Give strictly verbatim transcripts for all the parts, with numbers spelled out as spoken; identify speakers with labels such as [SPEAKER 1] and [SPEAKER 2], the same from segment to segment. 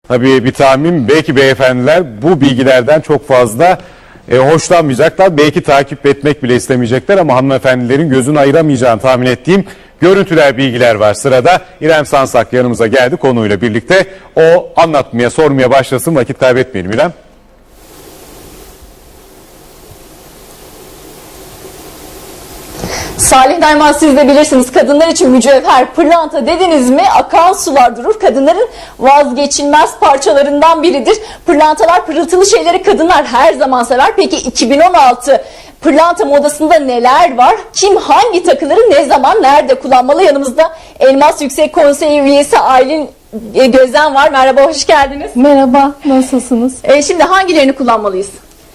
[SPEAKER 1] Tabii bir tahmin, belki beyefendiler bu bilgilerden çok fazla e, hoşlanmayacaklar. Belki takip etmek bile istemeyecekler ama hanımefendilerin gözünü ayıramayacağını tahmin ettiğim görüntüler, bilgiler var sırada. İrem Sansak yanımıza geldi konuyla birlikte. O anlatmaya, sormaya başlasın, vakit kaybetmeyelim İrem.
[SPEAKER 2] Salih Nayman, siz de bilirsiniz, kadınlar için mücevher, pırlanta dediniz mi akan sular durur. Kadınların vazgeçilmez parçalarından biridir. Pırlantalar, pırıltılı şeyleri kadınlar her zaman sever. Peki iki bin on altı pırlanta modasında neler var? Kim hangi takıları ne zaman nerede kullanmalı? Yanımızda Elmas Yüksek Konseyi üyesi Aylin Gözen var. Merhaba, hoş geldiniz.
[SPEAKER 3] Merhaba, nasılsınız?
[SPEAKER 2] Ee, şimdi hangilerini kullanmalıyız?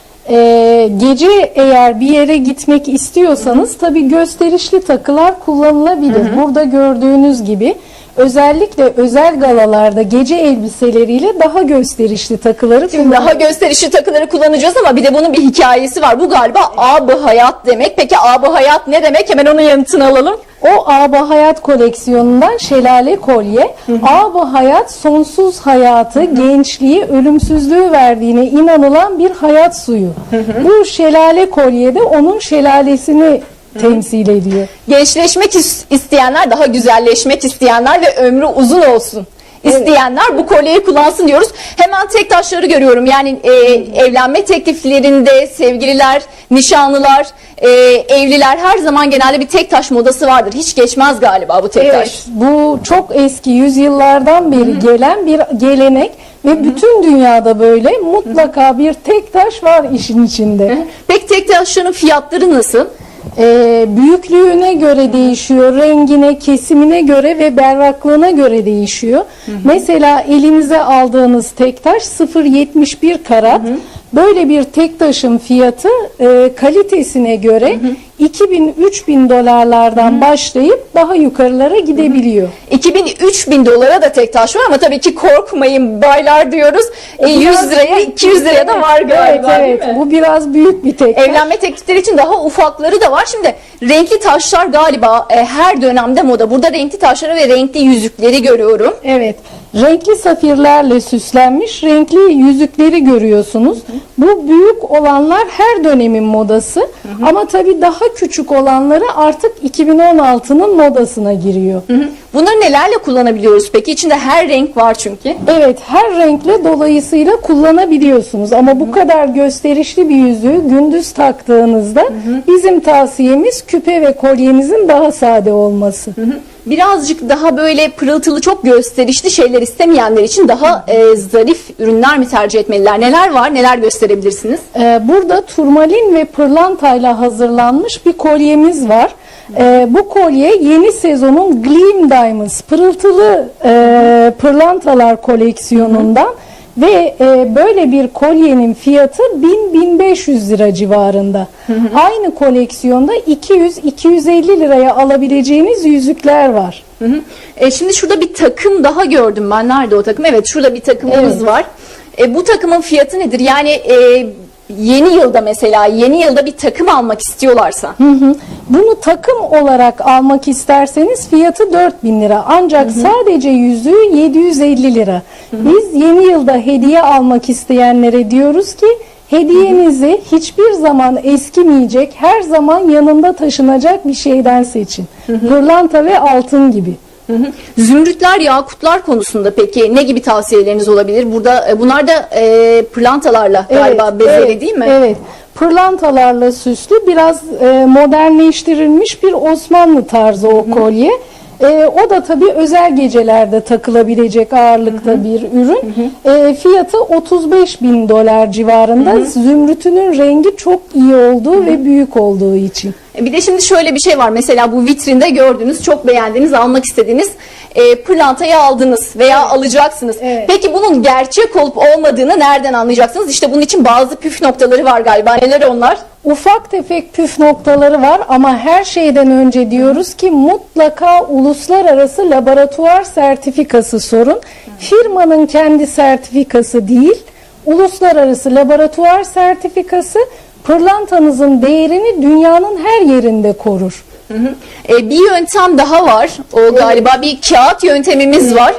[SPEAKER 3] Ee, gece eğer bir yere gitmek istiyorsanız tabii gösterişli takılar kullanılabilir. Hı hı. Burada gördüğünüz gibi özellikle özel galalarda gece elbiseleriyle daha gösterişli takıları
[SPEAKER 2] Şimdi daha gösterişli takıları kullanacağız ama bir de bunun bir hikayesi var. Bu galiba ab-ı hayat demek. Peki ab-ı hayat ne demek? Hemen onun yanıtını alalım.
[SPEAKER 3] O ab-ı hayat koleksiyonundan şelale kolye. Ab-ı hayat sonsuz hayatı, hı hı. gençliği, ölümsüzlüğü verdiğine inanılan bir hayat suyu. Hı hı. Bu şelale kolye de onun şelalesini temsil ediyor.
[SPEAKER 2] Gençleşmek isteyenler, daha güzelleşmek isteyenler ve ömrü uzun olsun İsteyenler evet. bu kolyeyi kullansın diyoruz. Hemen tek taşları görüyorum. Yani e, evlenme tekliflerinde sevgililer, nişanlılar, e, evliler her zaman genelde bir tek taş modası vardır. Hiç geçmez galiba bu tek
[SPEAKER 3] evet,
[SPEAKER 2] taş.
[SPEAKER 3] Bu çok eski, yüzyıllardan beri Hı-hı. gelen bir gelenek ve Hı-hı. bütün dünyada böyle mutlaka bir tek taş var işin içinde.
[SPEAKER 2] Hı-hı. Peki tek taşların fiyatları nasıl?
[SPEAKER 3] Ee, büyüklüğüne göre değişiyor, rengine, kesimine göre ve berraklığına göre değişiyor. Hı hı. Mesela elinize aldığınız tek taş sıfır virgül yetmiş bir karat. Hı hı. Böyle bir tek taşın fiyatı e, kalitesine göre iki bin üç bin dolarlardan hı hı. başlayıp daha yukarılara gidebiliyor.
[SPEAKER 2] iki bin üç bin dolara da tek taş var ama tabii ki korkmayın baylar diyoruz. E, yüz liraya iki yüz liraya da var galiba.
[SPEAKER 3] Evet, evet. Bu biraz büyük bir tek taş.
[SPEAKER 2] Evlenme teklifleri için daha ufakları da var. Şimdi renkli taşlar galiba e, her dönemde moda. Burada renkli taşları ve renkli yüzükleri görüyorum.
[SPEAKER 3] Evet. Renkli safirlerle süslenmiş renkli yüzükleri görüyorsunuz. Hı hı. Bu büyük olanlar her dönemin modası. Hı hı. Ama tabii daha küçük olanları artık iki bin on altının modasına giriyor.
[SPEAKER 2] Hı hı. Bunları nelerle kullanabiliyoruz peki? İçinde her renk var çünkü.
[SPEAKER 3] Evet, her renkle dolayısıyla kullanabiliyorsunuz. Ama bu hı hı. kadar gösterişli bir yüzüğü gündüz taktığınızda hı hı. bizim tavsiyemiz küpe ve kolyenizin daha sade olması. Hı hı.
[SPEAKER 2] Birazcık daha böyle pırıltılı, çok gösterişli şeyler istemeyenler için daha e, zarif ürünler mi tercih etmeliler? Neler var? Neler gösterebilirsiniz?
[SPEAKER 3] Ee, burada turmalin ve pırlantayla hazırlanmış bir kolyemiz var. Ee, bu kolye yeni sezonun Gleam Diamonds pırıltılı e, pırlantalar koleksiyonundan. Hı hı. Ve e, böyle bir kolyenin fiyatı bin bin beş yüz lira civarında. Hı hı. Aynı koleksiyonda iki yüz iki yüz elli liraya alabileceğiniz yüzükler var.
[SPEAKER 2] Hı hı. E, şimdi şurada bir takım daha gördüm ben. Nerede o takım? Evet, şurada bir takımımız evet. var. E, bu takımın fiyatı nedir? Yani e, yeni yılda mesela yeni yılda bir takım almak istiyorlarsa.
[SPEAKER 3] Hı hı. Bunu takım olarak almak isterseniz fiyatı dört bin lira. Ancak hı hı. sadece yüzüğü yedi yüz elli lira. Hı hı. Biz yeni yılda hediye almak isteyenlere diyoruz ki hediyenizi hı hı. hiçbir zaman eskimeyecek, her zaman yanında taşınacak bir şeyden seçin. Hı hı. Pırlanta ve altın gibi.
[SPEAKER 2] Hı hı. Zümrütler, yakutlar konusunda peki ne gibi tavsiyeleriniz olabilir? Burada bunlar da e, pırlantalarla galiba evet, bezeli
[SPEAKER 3] evet,
[SPEAKER 2] değil mi?
[SPEAKER 3] Evet. Pırlantalarla süslü, biraz e, modernleştirilmiş bir Osmanlı tarzı o hı hı. kolye. E, o da tabii özel gecelerde takılabilecek ağırlıkta hı hı. bir ürün. Hı hı. E, fiyatı otuz beş bin dolar civarında. Hı hı. Zümrütünün rengi çok iyi olduğu hı hı. ve büyük olduğu için.
[SPEAKER 2] Bir de şimdi şöyle bir şey var. Mesela bu vitrinde gördüğünüz, çok beğendiğiniz, almak istediğiniz e, pırlantayı aldınız veya evet. alacaksınız. Evet. Peki bunun gerçek olup olmadığını nereden anlayacaksınız? İşte bunun için bazı püf noktaları var galiba. Neler onlar?
[SPEAKER 3] Ufak tefek püf noktaları var ama her şeyden önce diyoruz ki mutlaka uluslararası laboratuvar sertifikası sorun. Firmanın kendi sertifikası değil, uluslararası laboratuvar sertifikası pırlantanızın değerini dünyanın her yerinde korur.
[SPEAKER 2] Hı hı. E, bir yöntem daha var. O galiba evet. bir kağıt yöntemimiz var.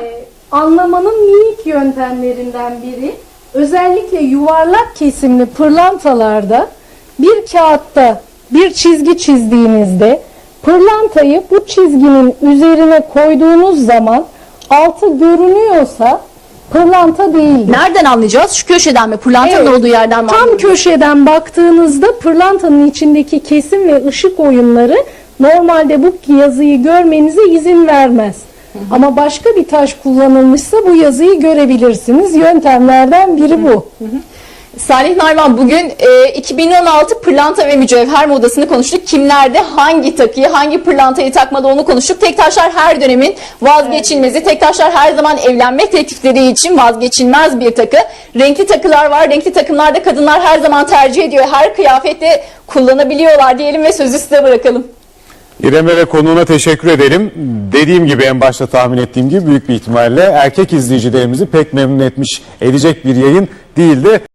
[SPEAKER 3] anlamanın minik yöntemlerinden biri. Özellikle yuvarlak kesimli pırlantalarda bir kağıtta bir çizgi çizdiğinizde pırlantayı bu çizginin üzerine koyduğunuz zaman altı görünüyorsa pırlanta değildir.
[SPEAKER 2] Nereden anlayacağız? Şu köşeden mi? Pırlantanın
[SPEAKER 3] Evet,
[SPEAKER 2] olduğu yerden mi?
[SPEAKER 3] tam
[SPEAKER 2] anlıyoruz?
[SPEAKER 3] köşeden baktığınızda pırlantanın içindeki kesim ve ışık oyunları normalde bu yazıyı görmenize izin vermez. Ama başka bir taş kullanılmışsa bu yazıyı görebilirsiniz. Yöntemlerden biri bu.
[SPEAKER 2] Salih Narman, bugün e, iki bin on altı pırlanta ve mücevher modasını konuştuk. Kimlerde hangi takıyı, hangi pırlantayı takmalı onu konuştuk. Tektaşlar her dönemin vazgeçilmezi. Tektaşlar her zaman evlenme teklifleri için vazgeçilmez bir takı. Renkli takılar var. Renkli takımlarda kadınlar her zaman tercih ediyor. Her kıyafette kullanabiliyorlar diyelim ve sözü size bırakalım.
[SPEAKER 1] İrem'e ve konuğuna teşekkür edelim. Dediğim gibi, en başta tahmin ettiğim gibi, büyük bir ihtimalle erkek izleyicilerimizi pek memnun etmiş edecek bir yayın değildi.